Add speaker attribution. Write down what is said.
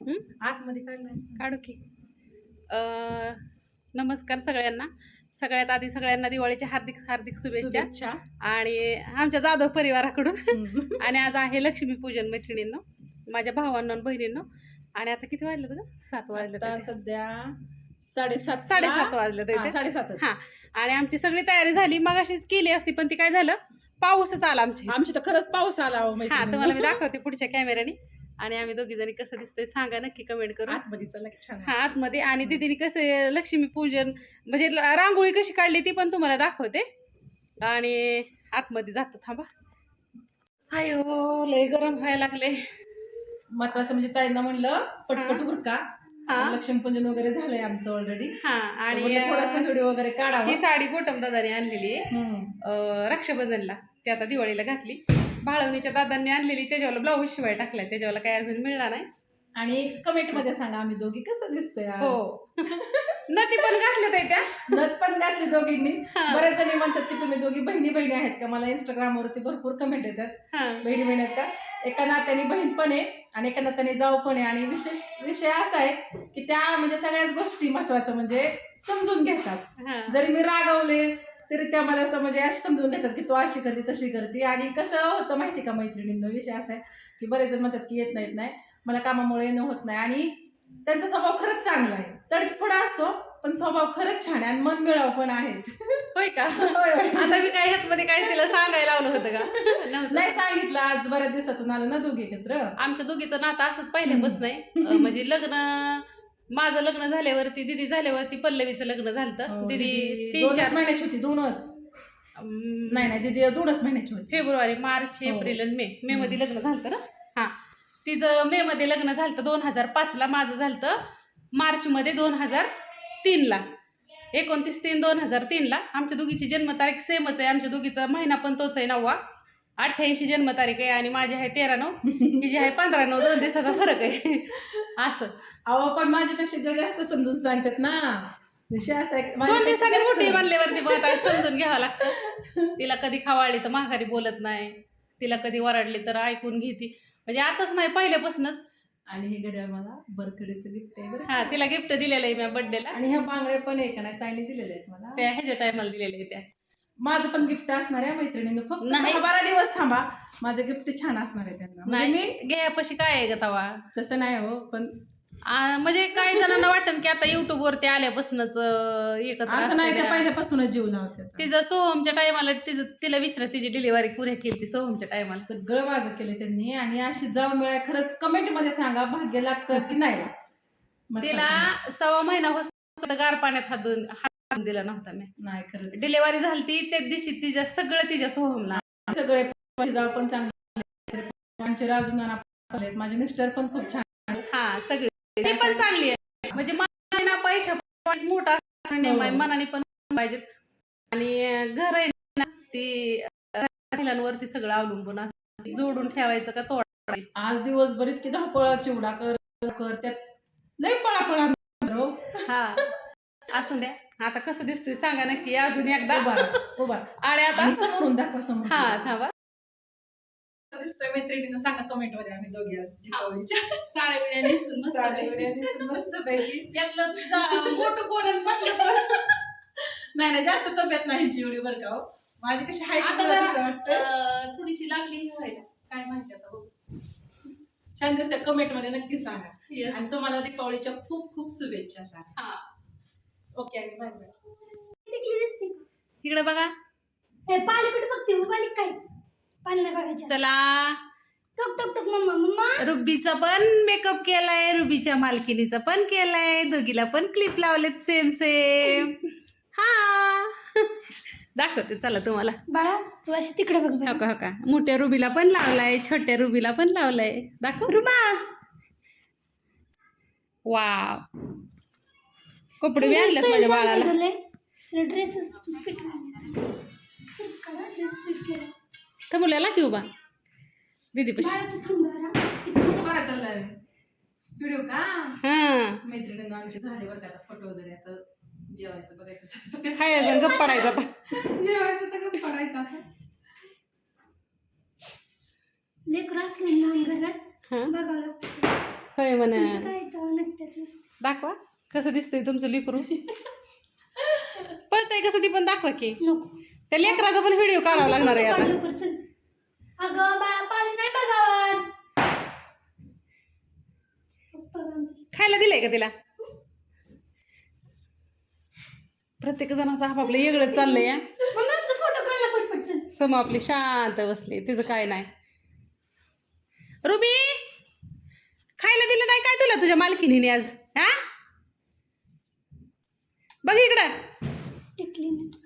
Speaker 1: आतमध्ये
Speaker 2: काढू की. नमस्कार सगळ्यांना. सगळ्यात आधी सगळ्यांना दिवाळीच्या हार्दिक हार्दिक शुभेच्छा आणि आमच्या जाधव परिवाराकडून. आणि आज आहे लक्ष्मीपूजन मैत्रिणींनो, माझ्या भावांना आणि बहिणींनो. आणि आता किती वाजलं तुझं? 7 वाजलं.
Speaker 1: सध्या 7:30
Speaker 2: 7:30 वाजलं.
Speaker 1: 7:30.
Speaker 2: हां. आणि आमची सगळी तयारी झाली, मग अशीच केली असती, पण ती काय झालं, पाऊसच आला
Speaker 1: आमची तर खरंच पाऊस आला.
Speaker 2: हा, तुम्हाला मी दाखवते पुढच्या कॅमेऱ्याने. आणि आम्ही दोघी जणी कसं दिसतंय सांगा नक्की कमेंट करून.
Speaker 1: आतमध्ये चला छान.
Speaker 2: हा, आतमध्ये. आणि दीदीने कसं लक्ष्मीपूजन म्हणजे रांगोळी कशी काढली ती पण तुम्हाला दाखवते. आणि आतमध्ये जातो, थांबा. अयो लय गरम व्हायला लागले.
Speaker 1: महत्वाचं म्हणजे ताईंना म्हणलं पटपट उरका. लक्ष्मीपूजन वगैरे झालंय आमचं ऑलरेडी.
Speaker 2: हा, आणि
Speaker 1: थोडासा व्हिडिओ वगैरे काढावा.
Speaker 2: ही साडी गोटम दादाने आणलेली आहे रक्षाबंधनला, ती आता दिवाळीला घातली. भाळवणीच्या दादांनी आणलेली, त्याच्यावर ब्लाऊज शिवाय टाकलाय, त्याच्यावर काय अजून मिळणार नाही.
Speaker 1: आणि कमेंट मध्ये सांगा आम्ही दोघी कसं दिसतोय.
Speaker 2: हो, नती पण घातल्या त्या,
Speaker 1: नथ पण घातली दोघींनी. बरेच जणी म्हणतात की तुम्ही दोघी बहिणी बहिणी आहेत का. मला इंस्टाग्राम वरती भरपूर कमेंट येतात बहिणी बहिणी आहेत का. एका नात्याने बहीण पण आहे आणि एका नात्याने जाऊ पण आहे. आणि विषय असा आहे की त्या म्हणजे सगळ्याच गोष्टी महत्वाचं म्हणजे समजून घेतात. जरी मी रागवले तरी त्या मला असं म्हणजे अशी समजून घेतात की तू अशी करते तशी करते. आणि कसं होतं माहिती का मैत्रिणींना, विषय असा आहे की बरेच जण म्हणतात की येत नाही मला कामामुळे येणं होत नाही. आणि त्यांचा स्वभाव खरंच चांगला आहे, तडफडा असतो पण स्वभाव खरंच छान आहे आणि मन मिळाव पण आहेत.
Speaker 2: होय का. आता मी काय ह्यातमध्ये काय तिला सांगायला लावलं होतं का.
Speaker 1: नाही सांगितलं, आज बऱ्याच दिवसातून आलं ना दोघी एकत्र.
Speaker 2: आमच्या दोघीचं नातं असंच पहिल्यापासून आहे. म्हणजे माझं लग्न झाल्यावरती, दिदी झाल्यावरती पल्लवीचं लग्न झालं. दिदी 3-4
Speaker 1: महिन्याची होती. 2च नाही दिदी 2च महिन्याची होती.
Speaker 2: फेब्रुवारी, मार्च, एप्रिल आणि मे मध्ये लग्न झालं ना. हा, तिचं मे मध्ये लग्न झालं 2005ला. माझं झालं मार्च मध्ये 2003ला. 29/3/2003ला. आमच्या दोघीची जन्मतारीख सेमच आहे. आमच्या दोघीचा महिना पण तोच आहे, 9वा. 88 जन्मतारीख आहे आणि माझी आहे 13/9, तिची आहे 15/9. 2 दिवसाचा फरक आहे. असं.
Speaker 1: अहो पण माझ्यापेक्षा जास्त समजून सांगतात ना. विषय असा आहे
Speaker 2: 2 दिवसांनी मोठी म्हणल्यावरती समजून घ्यावं लागतं. तिला कधी खवाळली तर माघारी बोलत नाही, तिला कधी वरडली तर ऐकून घेते. म्हणजे आताच नाही, पहिल्यापासूनच.
Speaker 1: आणि हे घड्याळ मला बर्थडेचं गिफ्ट आहे बरं.
Speaker 2: हा, तिला गिफ्ट दिलेलं आहे मी बर्थडेला.
Speaker 1: आणि ह्या बांगड्या पण आहे का नाही ताईने दिलेल्या आहेत मला.
Speaker 2: त्या ह्याच्या टायमाला दिलेल्या आहे त्या.
Speaker 1: माझं पण गिफ्ट असणार आहे मैत्रिणीनं. फक्त 12 दिवस थांबा, माझं गिफ्ट छान असणार आहे त्यांना.
Speaker 2: नाही, मी घ्यापाशी काय आहे ग तवा.
Speaker 1: तसं नाही हो, पण
Speaker 2: म्हणजे काही जणांना वाटतं की आता युट्यूब वरती आल्यापासूनच एकत्र
Speaker 1: असं नाही, तर पहिल्यापासूनच जीव लावते.
Speaker 2: तिचं सोहमच्या टायमाला तिला विचारा, तिची डिलिव्हरी पुऱ्या केली सोहमच्या टायमाला.
Speaker 1: सगळं माझं केलं त्यांनी. आणि अशी जाऊन मिळाय खरंच कमेंट मध्ये सांगा भाग्य लागतं की नाही.
Speaker 2: तिला 1.25 महिना होत गार पाण्यात हात दिला नव्हता मी.
Speaker 1: नाही खरंच
Speaker 2: डिलिव्हरी झाली ती त्याच दिवशी तिच्या सोहमला
Speaker 1: सगळे जाऊ पण चांगले. आमचे राजू नाना, माझे मिस्टर पण खूप छान.
Speaker 2: हा, सगळे ते पण चांगली आहे. म्हणजे मला पैसा मोठा मनाने पण पाहिजेत. आणि घर आहे ना, ती महिलांवरती सगळं अवलंबून असतं. जोडून ठेवायचं का तोडायचं.
Speaker 1: आज दिवसभर इतकी धावपळ, चिवडा कर त्यात लय पळापळा.
Speaker 2: हा, असं द्या. आता कसं दिसतोय सांगा नक्की अजून एकदा.
Speaker 1: उभा
Speaker 2: आणि आता
Speaker 1: समोरून दाखवा समोर.
Speaker 2: हा, थांबा.
Speaker 1: दिसतोय मैत्रिणीनं सांगा कमेंट मध्ये. आम्ही दोघी
Speaker 2: साड्या बिड्या नेसून
Speaker 1: मस्त पैकी.
Speaker 2: यातलं मोठं कोण
Speaker 1: नाही जास्त तब्येत नाही चिवडी बरं का. माझी कशी हाय
Speaker 2: थोडीशी लागली व्हायला, काय माहिती आता बघू.
Speaker 1: छान दिसते. कमेंट मध्ये नक्की सांगा. आणि तुम्हाला दीपावलीच्या खूप खूप शुभेच्छा सांगा. ओके, आणि बाय बाय.
Speaker 2: इकडे बघा. चला, रुबीचा पण मेकअप केलाय, रुबीच्या मालकिनीचा पण केलाय, दोघीला पण क्लिप लावलेत सेम सेम. हा, दाखवते चला तुम्हाला.
Speaker 3: बाळा तू अशी तिकडे बघ.
Speaker 2: हो का. मोठ्या रुबीला पण लावलाय, छोट्या रुबीला पण लावलाय. दाखव
Speaker 3: रुबा.
Speaker 2: वाव, कपडे बी आणलेत माझ्या बाळाला. मुलाला की उभा दीदी पशी.
Speaker 1: व्हिडिओ का.
Speaker 2: हा,
Speaker 1: मैत्रिणींना आमचे झाले बरं का फोटो वगैरे. आता जेवायचं बघायचं.
Speaker 2: खायचं गप्प पडायचं आता.
Speaker 1: जेवायचं तर गप्प पडायचं आता.
Speaker 3: लेकरं असले ना घरात बघावं लागतं.
Speaker 2: होय म्हण
Speaker 3: काय तर नसतं.
Speaker 2: दाखवा कसं दिसतंय तुमचं लेकरू पळतंय कसं ती पण दाखवा की
Speaker 3: नको.
Speaker 2: त्या लेकराचा पण व्हिडिओ काढावा लागणार आहे आता
Speaker 3: लवकर चल. अगं बाळा पाणी नाही बघावं.
Speaker 2: खायला दिलंय का तिला प्रत्येक जणाचं आपापलं वेगळं चाललंय या
Speaker 3: मम्मी आमचा फोटो काढला पटपट चल.
Speaker 2: सम आपली शांत बसली तिचं काय नाही रुबी खायला दिलं नाही काय तुला तुझ्या मालकीने आज हा बघ इकडं
Speaker 3: टिकली नाही.